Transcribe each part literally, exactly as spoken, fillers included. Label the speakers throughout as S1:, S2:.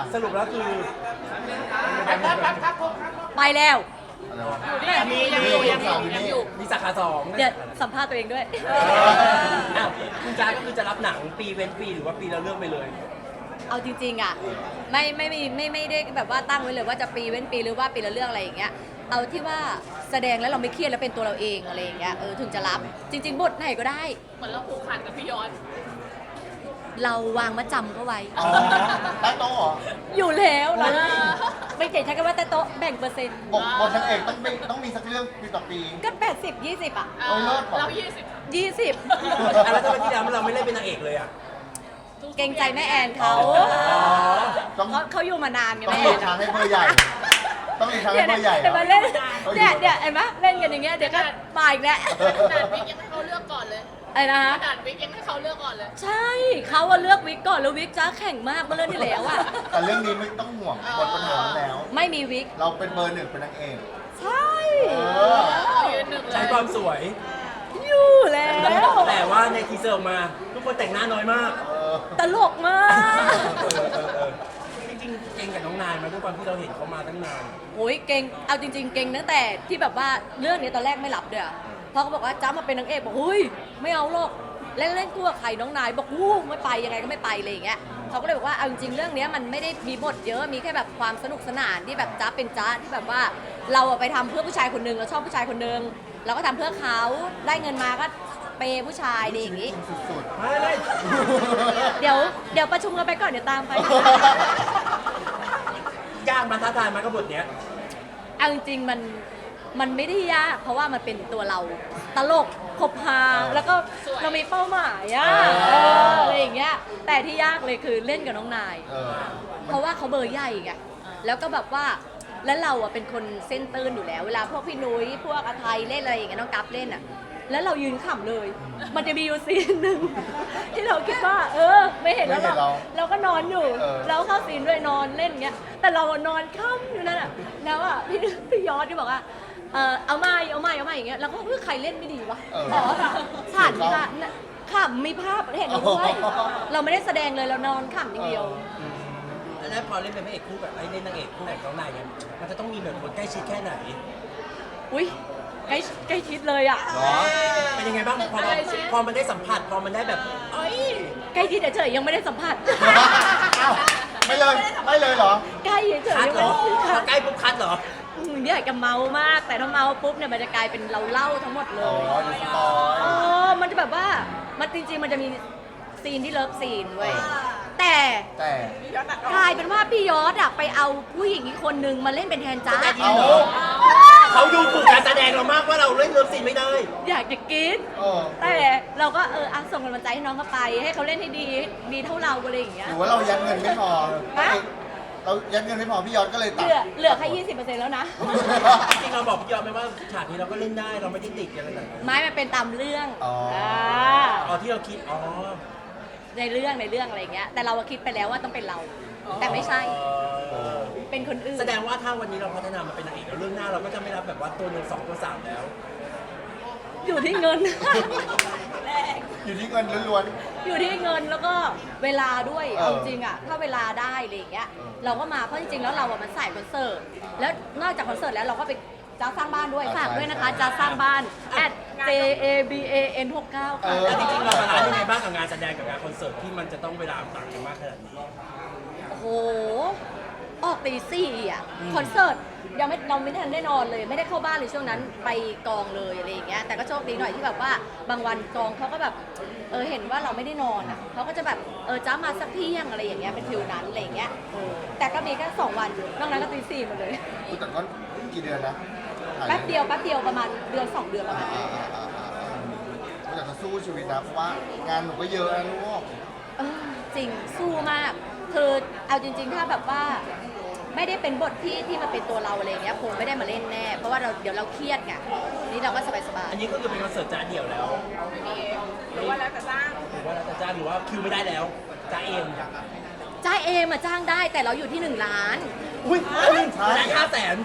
S1: สรุปแล้วคือ
S2: ไปแล้ว
S1: มียังอยู่ยังอยู่ยังอยู่มีสาขาสอง
S2: เดี๋ยวสัมภาษณ์ตัวเองด้วย
S1: อ้าวคุณจ้าก็คือจะรับหนังปีเว้นปีหรือว่าปีละเรื่องไปเลย
S2: เอาจริงๆอ่ะไม่ไม่ไม่ไม่ไม่ได้แบบว่าตั้งไว้เลยว่าจะปีเว้นปีหรือว่าปีละเรื่องอะไรอย่างเงี้ยเอาที่ว่าแสดงแล้วเราไม่เครียดแล้วเป็นตัวเราเองอะไรอย่างเงี้ยเออถึงจะรับจริง ๆ บทไหนก็ได้
S3: เหมือนเราผูกพันกับพี่ยอด
S2: เราวางมาจำเขาไว้
S4: อ๋อใต้โต๊ะเหรอ
S2: อยู่แล้วเราไม่เก่งใช้คำว่าแต่โต๊ะแบ่งเปอร์เซ็นต์
S4: บทบทนางเอกต้องมีต้องมีสักเรื่องปีต่อปี
S2: ก็แปดสิบยี่สิบอ่ะ
S4: โอ้ยเลิศว่ะ
S3: เรายี่สิบ
S2: ยี่สิบ
S1: อ่ะแล้วทำไมที่แล้วเราไม่เล่นเป็นนางเอกเลยอ่ะ
S2: เกรงใจแม่แอนเขา
S4: ต้อง
S2: เขาเขาอยู่มานานไง
S4: ต้อง
S2: แม่
S4: หลี
S2: แอก น
S4: ทางให้เบอร์ใหญ่ ต้องหลีกทางให้
S2: เนี่ย
S4: เบอร์ใหญ่
S2: เดี๋ยวมาเล่นเนี่ยเนี่ยเห็นไหมเล่นกันอย่างเงี้ยเดี๋ยวก็มาอีกแล้ว
S3: ขนาดวิกยังให้เขาเลือกก่อนเลย
S2: ไอ้นะ
S3: ข
S2: ฮะ
S3: นาดวิกยังให้เขาเลือกก่อนเลย
S2: ใช่เขาอะเลือกวิกก่อนแล้ววิกจ้าแข่งมากเมื่อเรื่องที่แล้วอะ
S4: แต่เรื่องนี้ไม่ต้องห่วงหมดปัญหาแล้ว
S2: ไม่มีวิก
S4: เราเป็นเบอร์หนึ่งเป็นนางเอก
S2: ใช่
S4: เออ
S3: เรายืนหนึ่งเล
S1: ใช้
S3: ย
S1: ความสวย
S2: อยู่แล้ว
S1: แต่ว่าในทีเซอร์ออกมา ทุกคนแต่งหน้าน้อยมาก
S4: เออ
S2: ตลกมาก
S1: เออเออเออจริงๆเก่งกับน้องนายมาด้วยความที่เราเห็นเขามาตั้งนาน
S2: โอ้ยเก่งเอาจริง ๆ เก่งตั้งแต่ที่แบบว่าเรื่องนี้ตอนแรกไม่รับด้วยอะพอเขาบอกว่าจ้ามาเป็นนางเอกบอกเฮ้ยไม่เอาหรอกเล่นเล่นคู่กับใครน้องนายบอกวู้ไม่ไปยังไงก็ไม่ไปเลยอย่างเงี้ยเขาก็เลยบอกว่าเอาจริงๆเรื่องนี้มันไม่ได้มีบทเยอะมีแค่แบบความสนุกสนานที่แบบจ้าเป็นจ้าที่แบบว่าเราอะไปทำเพื่อผู้ชายคนหนึงเราชอบผู้ชายคนหนึงเราก็ทำเพื่อเขาได้เงินมาก็เปย์ผู้ชายดีอย่างงี้
S4: สุด
S1: ไม่ไม่
S2: เดี๋ยวเดี๋ยวประชุมกันไปก่อนเดี๋ยวตามไป
S1: ยากมาท้าทายมากับบทเนี้ย
S2: เอาจริงๆมันมันไม่ได้ยากเพราะว่ามันเป็นตัวเราตลกคบหาแล้วก็เรามีเป้าหมายอะเอออะไรอย่างเงี้ยแต่ที่ยากเลยคือเล่นกับน้องนาย
S4: ๆเออ
S2: เพราะว่าเขาเบอร์ใหญ่ไงแล้วก็แบบว่าแล้วเราอะเป็นคนเส้นตื้นอยู่แล้ว เวลาพวกพี่นุ้ยพวกอาไทยเล่นอะไรอย่างเงี้ยน้องกัฟเล่นอะแล้วเรายืนขำเลย มันจะมีอยู่ซีนหนึ่ง ที่เราคิดว่า เออ ไม่เห็นแล้วเราเราก็นอนอยู่ เราเข้าซีนด้วยนอนเล่นเงี้ย แต่เราอะนอนค่ำอยู่นั่นอะแล้วอะพี่พี่ยอดที่บอกว่าเออเอาไม่เอาไม่เอาไม่อย่างเงี้ยแล้วก็เพื่อใครเล่นไม่ดีวะอ๋อผ่านค่ะขำมีภาพเห็นด้วยเราไม่ได้แสดงเลยเรานอนขำอย่างเดียว
S1: แล้วพอเล่นเป็นพระเอกคู่กับไอ้เล่นนางเอกคู่กับน้องนายเนี่ยมันจะต้องมีแบบคนใกล้ชิดแค่ไหน
S2: อุ้ยใกล้ใกล้ชิดเลยอ่ะ
S4: เหรอ
S1: เป็นยังไงบ้างพอเราพอมันได้สัมผัสพอมันได้แบบเอ้ย
S2: ใกล้ชิดเฉยๆยังไม่ได้สัมผัส
S4: อ้าวไม่เลยไม่เลยเหรอ
S2: ใกล้เฉยๆ
S1: คัด
S2: ยัง
S1: เหร
S2: ไม่
S1: อ
S2: ได้
S1: พ
S2: คั
S1: อ
S2: ด
S1: ใกล้ปุ๊บคัดเหรอ
S2: อืมอยากจะเมามาก แต่ถ้าเมาปุ๊บเนี่ยมันจะกลายเป็นเราเล่าทั้งหมดเล
S4: อ๋อย ดูสปอย
S2: อ๋อมันจะแบบว่ามันจริงๆมันจะมีซีนที่เลิฟซีนเว้ยแต่
S4: แต่
S2: กลายเป็นว่าพี่ยอดอะไปเอาผู้หญิงอีกคนนึงมาเล่นเป็นแทนจ้า
S1: เอา เขาดูถูกการแสดงเรามากว่าเราเล่นเลิฟซีนไม่ได้
S2: อยากจะกิน
S4: เออ
S2: แต่เราก็เอออ่ะส่งกำลังใจให้น้องเขาไป ให้เขาเล่นให้ดีดีเท่าเราอะไรอย่างเงี้
S4: ห
S2: ย
S4: รือว่าเรายัดเงินไม่พอ
S2: ฮะ
S4: เรายัดเงินไม่พอพี่ยอดก็เลย
S2: เห
S4: ตัด
S2: ลือเหลือแค่ยี่สิบเปอร์เซ็นต์แล้วนะ
S1: จริงๆเราบอกพี่ยอมไหมว่าฉากนี้เราก็เล่นได้เราไม่ได้ติดอะไรแบบนั้น
S2: ไม้มันเป็นตามเรื่อง
S4: อ๋ออ่
S2: า
S1: อ๋อที่เราคิดอ๋อ
S2: ในเรื่องในเรื่องอะไรอย่างเงี้ย แต่เราอะคิดไปแล้วว่าต้องเป็นเรา แต่ไม่ใช่ เป็นคนอื่น
S1: แสดงว่าถ้าวันนี้เราพัฒนามาเป็นนางเอกแล้วเรื่องหน้าเราก็จะไม่รับแบบว่าตัวหนึ่งสองตัวสามแล้ว
S2: อยู่ที่เงิน
S4: อยู่ที่เงินล้วน
S2: อยู่ที่เงินแล้วก็เวลาด้วย
S4: เออ
S2: เอาจริงอะถ้าเวลาได้อะไรอย่างเงี้ย
S4: เออ
S2: เราก็มาเพราะจริงๆแล้วเราอะมันสายคอนเสิร์ต แล้วนอกจากคอนเสิร์ตแล้วเราก็ไปจ้าสร้างบ้านด้วย ฝากด้วยนะคะจ้าสร้างบ้าน at j a b a n หกเก้า
S4: ๆเอ
S2: ค่ะ
S4: อ
S1: แล้วจริงๆเราบาลานซ์ยังไงบ้างกับงานแสดงกับงานคอนเสิร์ตที่มันจะต้องเวลาต่างกันมากขนาดนี้
S2: โอ้โห ออกตีสี่อะคอนเสิร์ตยังไม่เราไม่ทันได้นอนเลย ไม่ได้เข้าบ้านเลยช่วงนั้นไปกองเลยอะไรอย่างเงี้ยแต่ก็โชคดีหน่อยที่แบบว่าบางวันกองเขาก็แบบเออเห็นว่าเราไม่ได้นอนอะเขาก็จะแบบเออจ้ามาสักเที่ยงอะไรอย่างเงี้ยเป็นฟิลนั้นอะไรอย่างเงี้ยเออแต่ก็มีแค่สองวันนอกนั้นก็ตีสี่หมดเลย
S4: อุ๊ยแต่ก็กี่เดือนนะถ่า
S2: แป๊บเดียวแป๊บเดียวประมาณเดือนสองเดือนประมาณ
S4: อ่า
S2: นี้
S4: อ่าอ่าอ่าอ่าผมอยากจะสู้ชีวิตนะเพราะว่างานหนูก็เยอะนะลูก
S2: เออจริงสู้มากคือเอาจริง ๆ ถ้าแบบว่าไม่ได้เป็นบทที่ที่มันเป็นตัวเราอะไรอย่างเงี้ยคงไม่ได้มาเล่นแน่เพราะว่าเราเดี๋ยวเราเครียดไงนี่เราก็สบาย
S1: อันนี้ก็คือเป็นคอนเสิร์ตจ้าเดี่ยวแล้ว
S3: หรือว่าแล้วแต่จ้าง
S1: หรือว่าเราจะจ้างหรือว่าคิวไม่ได้แล้วจ้าเอง
S2: ๆจ้าเอมาจ้างได้แต่เราอยู่ที่หนึ่งล้าน
S1: อุ้ย
S4: ใช่
S1: แต่ห้าแสน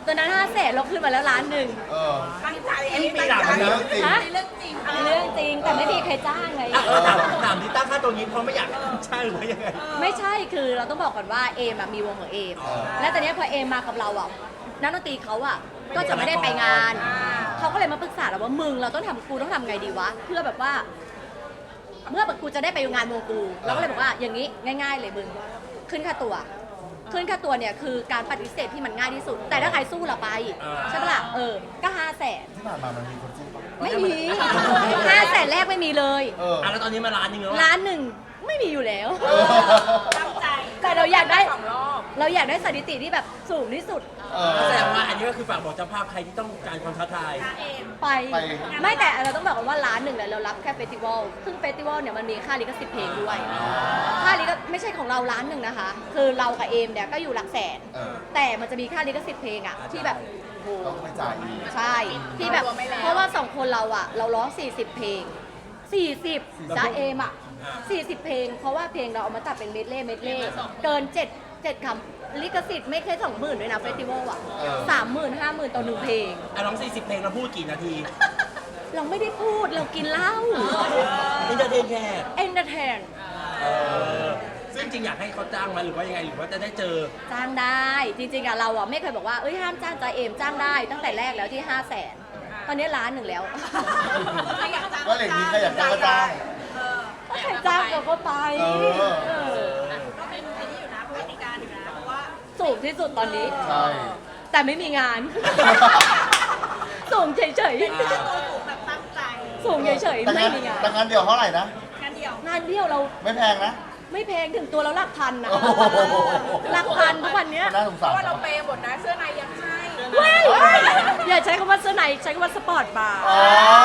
S2: ตอนนั้นห้าแสนเราขึ้นมาแล้วล้านหนึ่ง
S4: เออ
S3: ตั้งใจอัน
S1: นี่
S3: นี้
S1: มี
S3: ตั้ง
S1: หลัก
S3: ใจ
S1: นะ
S2: ฮะ
S3: เรื่องจริง
S2: เรื่องจริงแต่ไม่มีใครจ้างไง
S1: อ่ะเออถามถามที่ตั้งค่าตัวนี้เพราะไม่อยากใช่หรือว่ายังไง
S2: ไม่ใช่คือเราต้องบอกก่อนว่าเอมอะมีวงของเอม
S4: อ๋อ
S2: และตอนเนี้ยพอเอมมากับเราอ่ะนักดนตรีเขาอ่ะก็จะไม่ได้ไปงาน เขาก็เลยมาปรึกษาเราว่ามึงเราต้องทำกูต้องทำไงดีวะเพื่อแบบว่า เมื่อกูจะได้ไปงานวงกูเราก็เลยบอกว่าอย่างนี้ง่าย ๆ เลยมึงขึ้นค่าตัว ขึ้นค่าตัวเนี่ยคือการปฏิเสธที่มันง่ายที่สุด แต่ถ้าใครสู้เราไป
S1: อ่า
S2: ใช่ปะล่ะเออก็ห้าแสน
S4: ที่ผ่านมามันมีคนสู้ปะ
S2: ไม่มีห้าแสนแรกไม่มีเลย
S4: เออ
S1: อ่ะแล้วตอนนี้มาล้านหนึงแล้ว
S2: ล้านหนึ่งไม่มีอยู่แล้ว
S4: เออ
S3: ตั้งใจ
S2: แต่เราอยากได้
S3: สองรอบ
S2: เราอยากได้สถิติที่แบบสูงที่สุด
S4: เออ
S1: แสดงว่าอันนี้ก็คือฝากบอกเจ้าภาพใครที่ต้องการความท้าทาย
S2: ไป
S4: ไป
S2: ไม่แต่เราต้องบอกกันว่าร้านหนึ่งเนี่ยเรารับแค่เฟสติวัลซึ่งเฟสติวัลเนี่ยมันมีค่าลิขสิทธิ์เพลงด้วย ค่าลิขไม่ใช่ของเราร้านหนึ่งนะคะ คือเรากับเอมเนี่ยก็อยู่หลักแสน
S4: เออ
S2: แต่มันจะมีค่าลิขสิทธิ์เพลงอะที่แบบโอ้โห
S4: ต้องไปจ่ายอีก
S2: ใช่ที่แบบเพราะว่าสองคนเราอะเราร้องสี่สิบเพลงสี่สิบจ้าเอมอะสี่สิบเพลง เพราะว่าเพลงเราเอามาตัดเป็นเมดเล่เมดเล่เกินเจ็ดเจ็ดคำลิขสิทธิ์ไม่แค่สองหมื่นด้วยนะเฟสติวัลอะ
S4: เออ
S2: สามหมื่นห้าหมื่นต่อหนึ่งเพลง
S1: อ่ะร้องสี่สิบเพลงเราพูดกี่นาที
S2: เราไม่ได้พูดเรากินเหล้า
S1: อินเตอร์เทนแค่
S2: เอนเตอร์เทน
S1: เออซึ่งจริงอยากให้เขาจ้างมาหรือว่ายังไงหรือว่าจะได้เจอ
S2: จ้างได้จริงๆอะเราอะไม่เคยบอกว่าเอ้ยห้ามจ้างจ้าเอมจ้างได้ตั้งแต่แรกแล้วที่ห้าแสนตอนนี้ล้านหนึ่งแล้ว
S4: ก็เหล็กนี้ใครอยากจ้างก็จ้าง
S2: ถ้าใครจ้างเราก็ไป
S4: เออ
S2: เออ
S3: ก็เป็นที่อยู่นะกติกาอยู่นะเพราะว่า
S2: สูงที่สุดตอนนี้
S4: ใช่
S2: แต่ไม่มีงาน สูงเฉย
S3: ตัวสูงแบบตั้งใจ
S2: ๆสูงเฉยๆ
S4: แต่
S2: ไม่
S4: งาน
S2: มีงาน
S4: แต่งานเดียวเท่าไหร่นะ
S3: งานเดียว
S2: งานเดียวเรา
S4: ไม่แพงนะ
S2: ไม่แพงถึงตัวเราหลักพันนะ
S4: โอ้โห
S2: หลักพันทุกวันเนี้ย
S4: น่าสง
S3: เพ
S4: สาร
S3: ราะว่าเราเปย์หมดนะเสื้อในยังให้
S2: เว้ยอย่าใช้คำว่าเสื้อในใช้คำว่าสปอร์ตบาร์
S4: อ๋อ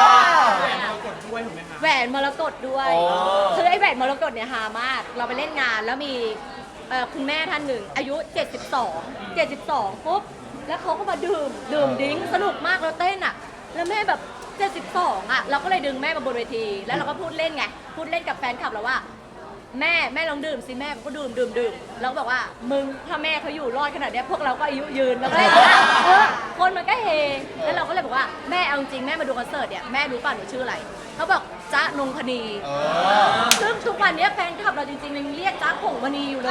S2: แหวนมรกตด้วย
S4: อ๋อ
S2: คือไอ้แหวนมรกตเนี่ยฮามาก เราไปเล่นงานแล้วมีเอ่อคุณแม่ท่านหนึ่ง อายุ เจ็ดสิบสอง เจ็ดสิบสองปุ๊บ แล้วเขาก็มาดื่ม ดื่มดิ้งสนุกมากเราเต้นอ่ะ แล้วแม่แบบ เจ็ดสิบสอง อ่ะ เราก็เลยดึงแม่มาบนเวที แล้วเราก็พูดเล่นไง พูดเล่นกับแฟนคลับเราว่า แม่แม่ลองดื่มสิแม่ก็ดื่มดื่มดื่มแล้วก็บอกว่ามึงถ้าแม่เขาอยู่รอดขนาดเนี้ยพวกเราก็อายุยืนแล้วก็เลยบอกว่าเออคนมันก็เฮแล้วเราก็เลยบอกว่าแม่เอาจริงแม่มาดูคอนเสิร์ตเนี่ยแม่รู้ป่ะหนูชื่ออะไรเขาบอกจ๊ะนงพนี
S4: เออ
S2: ซึ่งทุกวันเนี้ยแฟนคลับเราจริงๆยังเรียกจ๊ะผงมณีอยู่เลย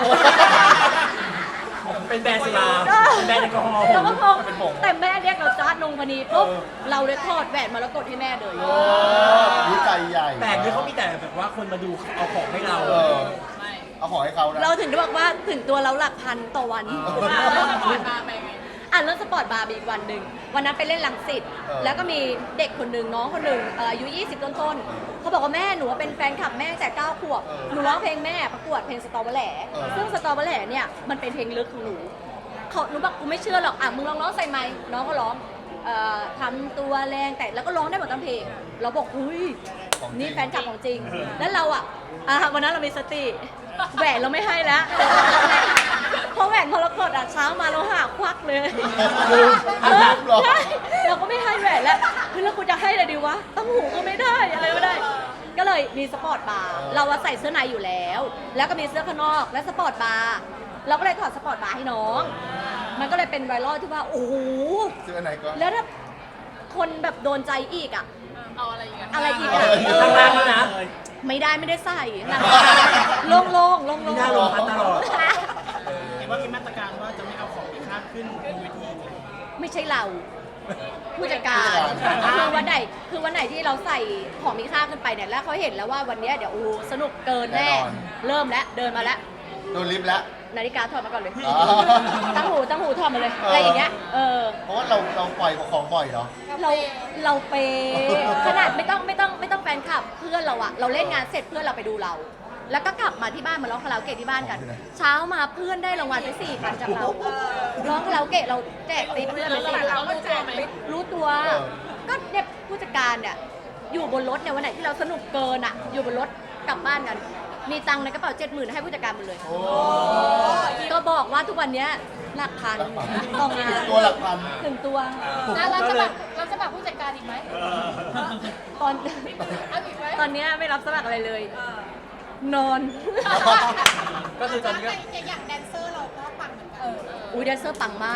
S1: เป็นแบรนด์สุราเป็นแบรนด์แอลกอฮอล์
S2: เราก็งง
S4: เป็นผง
S2: แต่แม่เรียกเราจ๊ะนงพนีปุ๊บ
S4: เออ
S2: เราเลยทอดแหวนมรกตให้แม่เลย
S4: โอ้วิจัยใหญ่
S1: แต่นี่เขามีแต่แบบว่าคนมาดูเอาของให้เรา
S4: เออ เอาของให้เขานะ
S2: เราถึงได้บอกว่าถึงตัวเราหลักพันต่อวัน
S3: ก่อนมาไปไง
S2: อ่ะเรื่องสปอร์ตบาร์มีอีกวันหนึ่งวันนั้นไปเล่นลังสิต
S4: เออ
S2: แล้วก็มีเด็กคนหนึ่งน้องคนหนึ่งเอ่ออายุ ยี่สิบ ต้นๆเขาบอกว่าแม่หนูว่าเป็นแฟนคลับแม่ตั้งแต่เก้าขวบ
S4: เออ
S2: หนูร้องเพลงแม่ประกวดเพลงสตอเบอร์แหล่
S4: เออ
S2: ซึ่งสตอเบอร์แหล่เนี่ยมันเป็นเพลงลึกของหนูเขาหนูบอกกูไม่เชื่อหรอกอ่ะมึงลองร้องใส่ไมค์น้องก็ร้องเอ่อทำตัวแรงแต่แล้วก็ร้องได้หมดทั้งเพลง เราบอกเฮ้ย
S4: ของจริง
S2: นี่แฟนคลับของจริง แล้วเราอ่ะอ่ะวันนั้นเรามีสติแหวนเราไม่ให้แล้ว เพราะแหวนมรกตอ่ะเช้ามาเราหาควักเลย
S4: ลืม
S2: เออ
S4: ลืมเหรอ
S2: ใช่เราก็ไม่ให้แหวนแล้วเฮ้ยแล้วกูจะให้อะไรดีวะตั้งหูก็ไม่ได้อะไรไม่ได้ ก็เลยมีสปอร์ตบาร์เราอะใส่เสื้อในอยู่แล้ว แล้วก็มีเสื้อข้างนอกและสปอร์ตบาร์เราก็เลยถอดสปอร์ตบาร์ให้น้อง มันก็เลยเป็นไวรัลที่ว่าโอ้โห
S4: ซื้ออันไหนก็
S2: แล้วถ้าคนแบบโดนใจอีกอ่ะ
S3: เอาอะไรอีกอะ
S2: อะไรอีก
S4: เอ
S2: อ่ะ
S4: อ
S1: ข้างล่างแล้วนะ
S2: ไม่ได้ไม่ได้ใส่หลังโล่งโล่งโล่ง
S1: มี
S2: โล่ง
S1: หน้าลงพัดตลอด
S5: เห็นว่ามีมาตรการว่าจะไม่เอาของมีค่าขึ้นบนเวที
S2: ไม่ใช่เรา ผู้จัดการ
S4: ผู้จัดการ
S2: คือวันไหนคือวันไหนที่เราใส่ของมีค่าขึ้นไปเนี่ยแล้วเขาเห็นแล้วว่าวันเนี้ยเดี๋ยวโอ้โหสนุกเกินแน่ เริ่มแล้วเดินมาแล้ว
S4: โดนลิฟต์แล้ว
S2: นาฬิกาถอดมาก่อนเลย
S4: อ๋อ
S2: ตั้งหูตั้งหูถอดมาเลย
S4: เอออ
S2: อะไรอย่างเงี้ยเออ
S4: เพราะว่าเราเราปล่อยของบ่อยเนาะ
S2: เราเราเปย์ขนาดไม่ต้องไม่ต้องไม่ต้องแฟนคลับเพื่อนเราอะเราเล่นงานเสร็จเพื่อนเราไปดูเรา แล้วก็กลับมาที่บ้านมาร้องคาราโอเกะที่บ้านกัน เช้ามาเพื่อนได้รางวัลไปสี่พันจากเราร้องคาราโอเกะเราแจกติ๊บเพื่อนไปสี่พัน
S3: เรารู้ตัวไหม
S2: รู้ตัว
S4: เออ
S2: ก็เนี่ยผู้จัดการเนี่ยอยู่บนรถเนี่ยวันไหนที่เราสนุกเกินอะอยู่บนรถกลับบ้านกัน มีตังค์ในกระเป๋าเจ็ดหมื่นให้ผู้จัดการหมดเลย
S4: โอ้
S2: ก็บอกว่าทุกวันเนี้ยหลักพันต่องาน
S4: ตัวหลักพัน
S2: ถึงตัว
S3: แล้วเราจะแบบเราจะแบบผู้จัดการอีกไหม
S2: ตอน
S3: เอาอีกไหม
S2: ตอนเนี้ยไม่รับสมัครอะไรเลย นอน
S1: ก็คือตอนนี้ก็
S3: อย่างแดนเซอร์เราก็ปังเหมือนกัน
S2: อุ้ยแดนเซอร์ปังมาก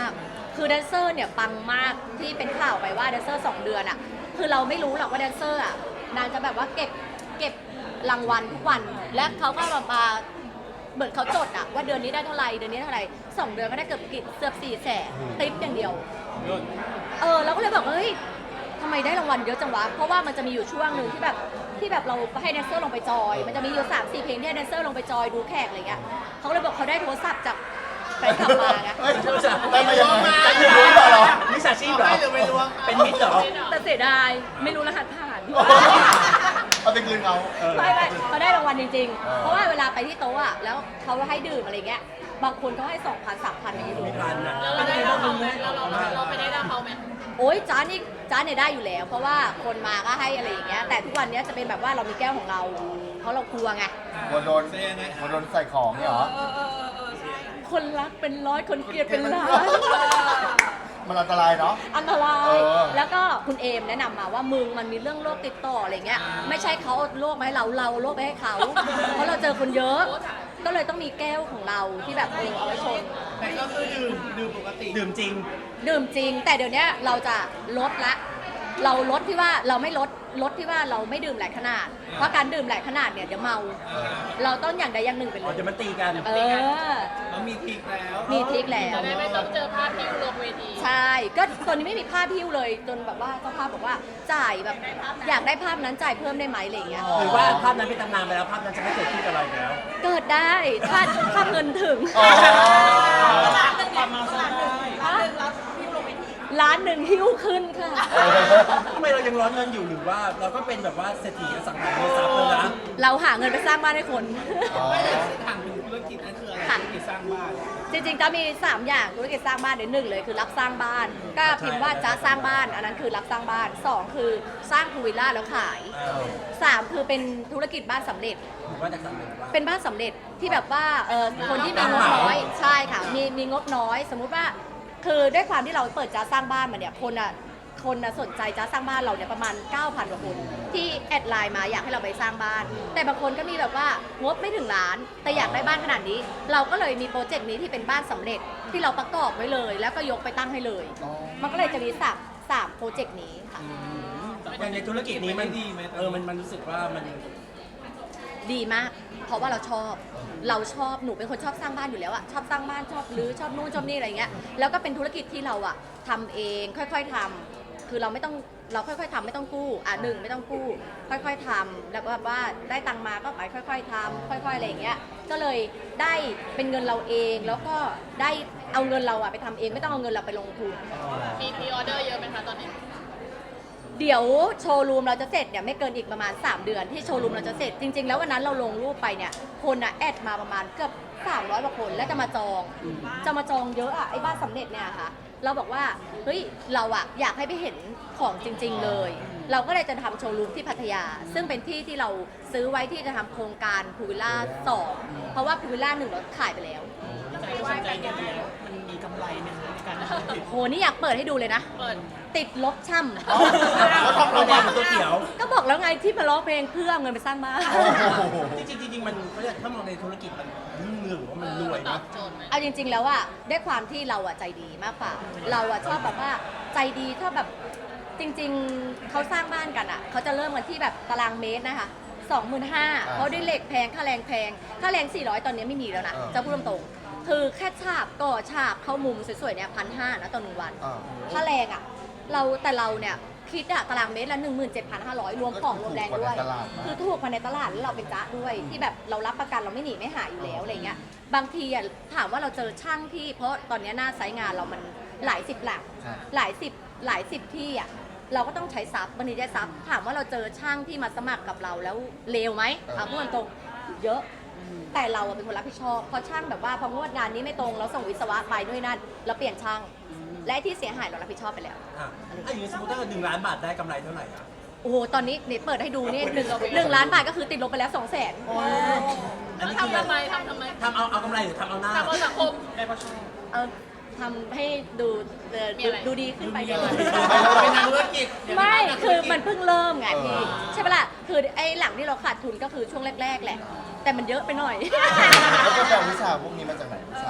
S2: คือแดนเซอร์เนี่ยปังมากที่เป็นข่าวไปว่าแดนเซอร์สองเดือนอ่ะคือเราไม่รู้หรอกว่าแดนเซอร์อ่ะนางจะแบบว่าเก็บเก็บรางวัลทุกวันและเขาก็มามาเหมือนเขาจดอ่ะว่าเดือนนี้ได้เท่าไหร่เดือนนี้เท่าไหร่สองเดือนก็ได้เกือบกิเกือบสี่แสนติปอย่างเดียวเออเราก็เลยบอกว่าเฮ้ยทำไมได้รางวัลเยอะจังวะเพราะว่ามันจะมีอยู่ช่วงหนึ่งที่แบบที่แบบเราให้แดนเซอร์ลงไปจอยมันจะมีอยู่สามสี่เพลงที่ให้แดนเซอร์ลงไปจอยดูแขกอะไรเงี้ยเขาเลยบอกเขาได้โทรศัพท์จากไปขับมาไง
S4: เฮ้ยได้มายังไงได้มารู้เหรอ
S1: มิจฉาชีพเหรอเป็นมิจเหรอ
S2: แต่เสียดายไม่รู้รหัสผ่าน
S4: เอาไปคืนเขา
S2: ไม่ไม่เขาได้รางวัลจริงๆ เพราะว่าเวลาไปที่โต๊ะอะแล้วเขาให้ดื่มอะไรเงี้ยบางคนเขาให้สองพันสามพันอย่างนี้ดู
S1: มีพันอ่ะ
S3: แล้วเราได้รับเขาไหมเราเราเราไปได้รับเขาไหม
S2: โอ๊ยจ้านี่จ้าเนี่ยได้อยู่แล้ว เพราะว่าคนมาก็ให้อะไรอย่างเงี้ยแต่ทุกวันเนี้ยจะเป็นแบบว่าเรามีแก้วของเรา เพราะเรากลัวไง
S4: กลัวโดนกลัวโดนใส่ของเนี่ยเหรอ
S2: คนรักเป็นร้อยคนเกลียดเป็นล้าน
S4: มันอันตรายเนาะ
S2: อันตราย
S4: เออ
S2: แล้วก็คุณเอมแนะนำมาว่ามึงมันมีเรื่องโรคติดต่ออะไรเงี้ย ไม่ใช่เขาเอาโรคมาให้เรา เราเอาโรคไปให้เขา เพราะเราเจอคนเยอะ ก็เลยต้องมีแก้วของเราที่แบบเออเอาไว้ชน
S5: แต่ก็คือดื่มดื่มปกติ
S1: ดื่มจริง
S2: ดื่มจริง แต่เดี๋ยวนี้เราจะลดละ เราลดที่ว่าเราไม่ลดลดที่ว่าเราไม่ดื่มหลายขนาด เพราะการดื่มหลายขนาดเนี่ยเดี๋ยวเมา เราต้องอย่างใดอย่างหนึ่งไปเล
S1: อ๋อย เดี๋ยวมันตีกัน
S2: เออ
S5: แล้วมีทริกแล้ว
S2: มีทริคแล้ว
S3: จะได้ไม่ต้องเจอภาพที่ลงเวที
S2: ใช่ ก็ตอนนี้ไม่มีภาพพิ้วเลย จนแบบว่าเจ้าภาพบอกว่าจ่ายแบบอยากได้ภาพนั้นจ่ายเพิ่มได้ไหมอะไรอย่างเงี้ย
S1: หรือว่าภาพนั้นเป็นตำนานไปแล้วภาพนั้นจะไม่เกิดขึ้นกับเราอีกแล้ว
S2: เกิดได้ถ้าถ้าเงินถึง
S4: อ๋อ
S5: ความเมาสได้
S2: ล้านหนึ่งหิ้วขึ้นค่ะ
S1: ทำไมเรายังร้อนเงินอยู่หรือว่าเราก็เป็นแบบว่าเศรษฐีอสังหาริมทรัพย์เลยนะ
S2: เราหาเงินไปสร้างบ้านให้คน
S4: อ๋อ
S5: ถามถึงธุรกิจนั่นคืออะไร
S2: ค่ะ
S5: ธุรกิจสร้างบ้าน
S2: จริงๆจะมี สาม อย่างธุรกิจสร้างบ้านเดี๋ยวหนึ่งเลยคือรับสร้างบ้าน ก็พิมพ์ว่าจะสร้างบ้าน อันนั้นคือรับสร้างบ้านสองคือสร้างพูลวิลล่าแล้วขายสามคือเป็นธุรกิจบ้านสำเร็จ
S1: หรือว่าจากสำเร็จว่า
S2: เป็นบ้านสำเร็จที่แบบว่าเออคนที่มีงบน้อยใช่ค่ะมีมีงบน้อย สมมุติว่าคือด้วยความที่เราเปิดจ้าสร้างบ้านมาเนี่ยคนอ่ะคนอ่ะสนใจจ้าสร้างบ้านเราเนี่ยประมาณ เก้าพัน กว่าคนที่แอดไลน์มาอยากให้เราไปสร้างบ้าน แต่บางคนก็มีแบบว่างบไม่ถึงล้าน แต่อยากได้บ้านขนาดนี้ เราก็เลยมีโปรเจกต์นี้ที่เป็นบ้านสำเร็จที่เราประกอบไว้เลย แล้วก็ยกไปตั้งให้เลย
S4: อ๋อ
S2: มันก็เลยจะมีสามสามโปรเจกต์นี้ค่ะ
S1: อย่างในธุรกิจนี้มันดีไหมเออมันมันรู้สึกว่ามัน
S2: ดีมาก เพราะว่าเราชอบ เราชอบ หนูเป็นคนชอบสร้างบ้านอยู่แล้วอะชอบสร้างบ้าน ชอบรื้อ ชอบนู่นชอบนี่อะไรเงี้ย แล้วก็เป็นธุรกิจที่เราอะทำเอง ค่อยๆทำคือเราไม่ต้อง เราค่อยๆทำไม่ต้องกู้ อ่ะหนึ่งไม่ต้องกู้ ค่อยๆทำแล้วก็แบบว่าได้ตังค์มาก็ไปค่อยๆทำค่อยๆอะไรอย่างเงี้ย ก็เลยได้เป็นเงินเราเอง แล้วก็ได้เอาเงินเราอะไปทำเอง ไม่ต้องเอาเงินเราไปลงทุน
S3: มีพรีออเดอร์เยอะไหมคะตอนนี้
S2: เดี๋ยวโชว์รูมเราจะเสร็จเนี่ยไม่เกินอีกประมาณ สาม เดือนที่โชว์รูมเราจะเสร็จจริงๆแล้ววันนั้นเราลงรูปไปเนี่ยคนอะแอดมาประมาณเกือบสามร้อยกว่าคนแล้วจะมาจองจะมาจองเยอะอะไอ้บ้านสำเร็จเนี่ยค่ะเราบอกว่าเฮ้ยเราอะอยากให้ไปเห็นของจริง ๆเลย เราก็เลยจะทำโชว์รูมที่พัทยา ซึ่งเป็นที่ที่เราซื้อไว้ที่จะทำโครงการพูวิลล่าสองเพราะว่าพูวิลล่าหนึ่งเราขายไปแล้ว
S5: ใจก็สนใจเนี่ยแล้วมันมีกำไรไหมคะในการทำธุรกิจ
S2: โหนี่อยากเปิดให้ดูเลยนะ
S3: เปิด
S2: ติดลบช่ำ
S4: แล้วทำ
S1: เรา
S4: เรา
S1: บ้า
S4: บ้าน น
S1: ตัวเขียว
S2: ก็บอกแล้วไงที่มาร้องเพลงเพื่อเอาเงินไปสร้างบ้าน
S4: โอ้โห
S1: จริงๆจริงๆมันเขาเรียกถ้ามองในธุรกิจมันรุ่งเรืองหรือว่ามันรวย
S3: ตอ
S1: นะ
S3: บโจทย์ไหม
S2: เอาจริง ๆ แล้วอะด้วยความที่เราอะใจดีมากกว่า เราอะชอบแบบว่าใจดีถ้าแบบจริง ๆเขาสร้างบ้านกันอะเขาจะเริ่มกันที่แบบตารางเมตรนะคะสองหมื่นห้า
S4: อ่า
S2: เพราะด้วยเหล็กแพงค่าแรงแพงค่าแรงสี่ร้อยตอนนี้ไม่มีแล้วนะ
S4: อ่า
S2: จะพูดตรงๆคือแค่ฉาบก่อฉาบเข้ามุมสวยๆเนี่ยพันห้านะต่อหนึ่งวัน
S4: อ่า
S2: ค่าแรงอะเราแต่เราเนี่ยคิดอะตารางเมตรละหนึ่งหมื่นเจ็ดพันห้าร้อยรวมของรวมแรงด้วย
S4: ก็ถูกกว่าในตลาดนะ
S2: คือถูกกว่าในตลาดแล้วเราเป็นจ๊ะด้วยที่แบบเรารับประกันเราไม่หนีไม่หายอยู่แล้วอะไรเงี้ยบางทีอะถามว่าเราเจอช่างที่เพราะตอนเนี้ยหน้าไซต์งานเรามันหลายสิบหลัก
S4: ใช่
S2: หลายสิบหลายสิบที่อะเราก็ต้องใช้ซับบางทีได้ซับถามว่าเราเจอช่างที่มาสมัครกับเราแล้วเลวไหมเอาพูดตรงๆเยอะ แต่เราอะเป็นคนรับผิดชอบเพราะช่างแบบว่าพองวดงานนี้ไม่ตรงเราส่งวิศวะไปด้วยนั่นเราเปลี่ยนช่าง และไอ้ที่เสียหายเรารับผิดชอบไปแล้ว
S1: อ่ะถ้าอย่างนี้สมมติถ้าเกิดหนึ่งล้านบาทได้กำไรเท่าไหร่อ่ะ
S2: โอ้โหตอนนี้เนี่ยเปิดให้ดูนี่หนึ่งหนึ่งล้านบาทก็คือติดลบไปแล้วสองแสน
S1: อันนี้
S3: ทำ
S1: คือ
S3: ทำไมทำทำไม
S1: ทำเอาเอากำไรหรือทำเอาหน้า
S3: ทำเอาสังคม
S5: ได้เพราะชอบ
S2: เออทำให้ดูเอ่อ
S3: มีอะไร
S2: ดูดีขึ้นไป
S1: ดู
S2: เล
S1: ดี
S2: ย
S5: เป็นนักธุรกิจ
S2: ไม่คือมันเพิ่งเริ่มไงพี่
S4: เออ
S2: ใช่ปะล่ะคือไอ้หลังที่เราขาดทุนก็คือช่วงแรก ๆ แหละ แต่มันเยอะไปหน่อย
S4: แล้วก็แปลวิชาพวกนี้มาจากไหนวิชาแบบทำบ้าน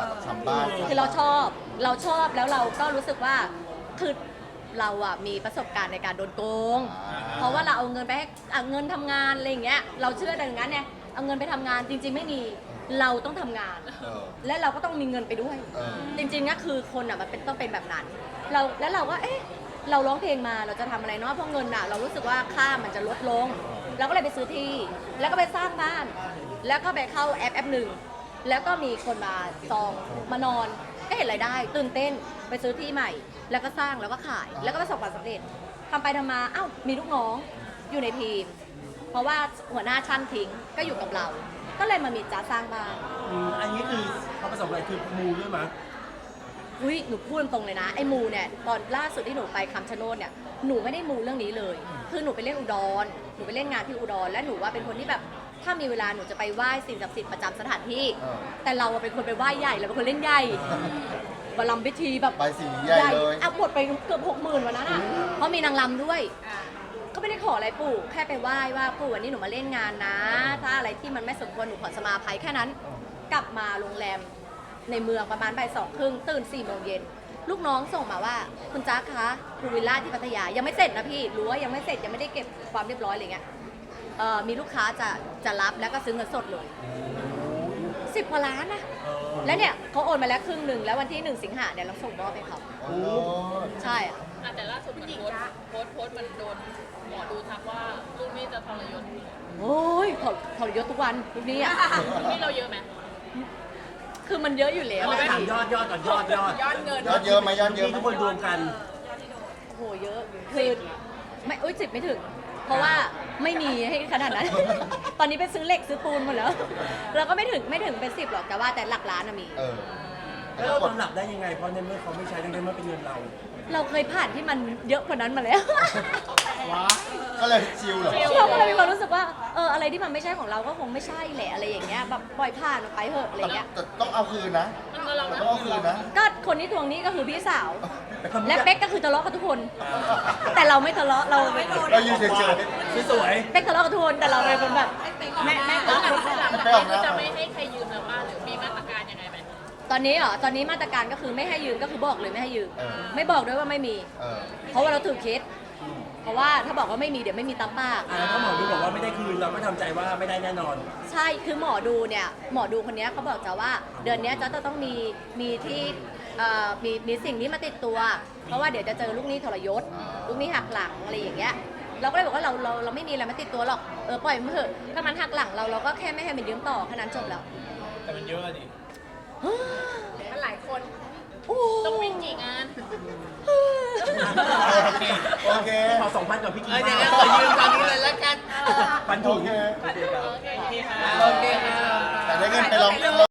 S4: บ้าน
S2: คือเราชอบเราชอบแล้วเราก็รู้สึกว่าคือเราอะมีประสบการณ์ในการโดนโกง เพราะว่าเราเอาเงินไปให้เอาเงินทำงานอะไรอย่างเงี้ยเราเชื่อดังนั้นเนี่ยเอาเงินไปทำงานจริง ๆ ไม่มีเราต้องทำงาน
S4: เออ
S2: และเราก็ต้องมีเงินไปด้วย
S4: เออ
S2: จริงๆก็คือคนอะมันเป็นต้องเป็นแบบนั้น เราแล้วเราก็เอ๊ะเราร้องเพลงมาเราจะทำอะไรเนาะเพราะเงินอะเรารู้สึกว่าค่ามันจะลดลง เราก็เลยไปซื้อที่ แล้วก็ไปสร้างบ้าน แล้วก็ไปเข้าแอปแอปหนึ่งแล้วก็มีคนมาจองมานอนก็เห็นรายได้ตื่นเต้นไปซื้อที่ใหม่ แล้วก็สร้างแล้วก็ขาย แล้วก็ประสบความสำเร็จทำไปทำมาอ้าวมีลูกน้องอยู่ในทีม เพราะว่าหัวหน้าช่างทิ้งก็อยู่กับเรา ก็เลยมามีจ้าสร้างบ้าน
S1: อืมอันนี้คือเขาประสบอะไรคือมูด้วยมั้ย
S2: อุ้ยหนูพูดตรงๆเลยนะไอ้มูเนี่ยตอนล่าสุดที่หนูไปคำชะโนดเนี่ยหนูไม่ได้มูเรื่องนี้เลย คือหนูไปเล่นอุดรหนูไปเล่นงานที่อุดรและหนูว่าเป็นคนที่แบบถ้ามีเวลาหนูจะไปไหว้สิ่งศักดิ์สิทธิ์ประจำสถานที่
S4: เออ
S2: แต่เราอะเป็นคนไปไหว้ใหญ่เราเป็นคนเล่นใหญ่บารมพิธีแบบ
S4: ใบสีใหญ่เลย
S2: อ่ะหมดไปเกือบหกหมื่นวันนั้นอ่ะเพราะมีนางรำด้วย ก็ไม่ได้ขออะไรปู่แค่ไปไหว้ว่าปู่วันนี้หนูมาเล่นงานนะ ถ้าอะไรที่มันไม่สมควรหนูขอสมาภัยแค่นั้น กลับมาโรงแรมในเมืองประมาณบ่ายสองครึ่งตื่นสี่โมงเย็นลูกน้องส่งมาว่าคุณจ๊ะคะภูวิลล่าที่พัทยายังไม่เสร็จนะพี่รู้ว่ายังไม่เสร็จยังไม่ได้เก็บความเรียบร้อยอะไรเงี้ยเอ่อมีลูกค้าจะจะรับแล้วก็ซื้อเงินสดเลยสิบกว่าล้านนะแล้วเนี่ยเขาโอนมาแล้วครึ่งหนึ่งแล้ววันที่หนึ่งสิงหาเนี่ยเราส่งมอบให้เขา
S4: โอ้
S2: ใช่อะ
S3: อ่ะแต่ล่าสุดมันโพสต์โพสต์โพสต์มันโดนหมอดูทักว่าลูกหนี้จะทรยศ
S2: โอ้ยถอดถอดยศทุกวันทุกนี้อ่ะ
S3: ลูกหนี้เราเยอะไหม
S2: คือมันเยอะอยู่แล้ว
S1: ไม่ถามยอดยอดก่อนยอดยอด
S3: ยอดเงิน
S4: ยอดเยอะไหมยอดเยอะไหม
S1: ทุกคนรวมกัน
S2: โอ้โหเยอะคือไม่อุ้ยสิบไม่ถึง เพราะว่าไม่มีให้ขนาดนั้น ตอนนี้ไปซื้อเหล็กซื้อปูนหมดแล้วเราก็ไม่ถึงไม่ถึงเป็นสิบหรอกแต่ว่าแต่หลักล้านอะมี
S4: เออ
S1: แล้วเราตำหนับได้ยังไงเพราะในเมื่อเขาไม่ใช้ในเมื่อเป็นเงินเรา
S2: เราเคยผ่านที่มันเยอะกว่านั้นมาแล้ว
S4: ก็เลยชิลเหรอ
S2: เราก็เลยมีความรู้สึกว่าเอออะไรที่มันไม่ใช่ของเราก็คงไม่ใช่แหละอะไรอย่างเงี้ยแบบปล่อยผ่านมันไปเถอะอะไรเงี้ย
S4: แต่ต้องเอาคืนนะ
S3: มันก็เรา
S4: แต่
S3: นะ
S4: ต้องเอาคืนนะ
S2: ก็คนที่ทวงหนี้ก็คือพี่สาว
S1: แต่คน
S2: และเป๊กก็คือทะเลาะกับทุกคน แต่เราไม่ทะเลาะเราไม่
S4: เราอยู่เฉย
S1: สวย
S2: เป๊กทะเลาะกับทุกคนแต่เราเป็นคนแบบแม่แม่
S3: แล้ว
S2: รัก
S3: หลัง
S2: คน
S3: หลัง
S2: ค่ะ
S3: จากนี้ก็จะไม่ให้ใครยืมแล้วป่ะหรือมีมาตรการยังไงไหม
S2: ตอนนี้เหรอตอนนี้มาตรการก็คือไม่ให้ยืมก็คือบอกเลยไม่ให้ยืม ไม่บอกด้วยว่าไม่มี
S4: ๆเออ
S2: เพราะว่าเราถือเคสเพราะว่าถ้าบอกว่าไม่มีเดี๋ยวไม่มีตามปาก
S1: อ่าถ้าหมอดูบอกว่าไม่ได้คืนเราก็ทำใจว่าไม่ได้แน่นอน
S2: ใช่คือหมอดูเนี่ยหมอดูคนเนี้ยเขาบอกจะว่าเดือนเนี้ยจะต้องมีมีที่เอ่อมีมีสิ่งนี้มาติดตัว เพราะว่าเดี๋ยวจะเจอลูกหนี้ทรยศลูกหนี้หักหลังอะไรอย่างเงี้ยเราก็เลยบอกว่าเราเราเราไม่มีอะไรมาติดตัวหรอกเออปล่อยมันเถอะถ้ามันหักหลังเราเราก็แค่ไม่ให้มันยืมต่อแค่นั้นจบแล้ว
S5: แต่มันเยอะอะดิ
S3: มันหลายคน
S2: โอ้
S3: ต้องวิ่งกี่งาน
S4: โอเค โอเค
S1: ขอสองพันกับพี่กี
S5: เออเดี๋ยวขอยืมตอนนี้เลยแล้วกัน
S1: ปัน
S4: โอ
S1: ถุง
S4: เค
S3: โอเคค่ะ
S5: โอเคค่ะ
S4: แต่ได้เงินไปลอง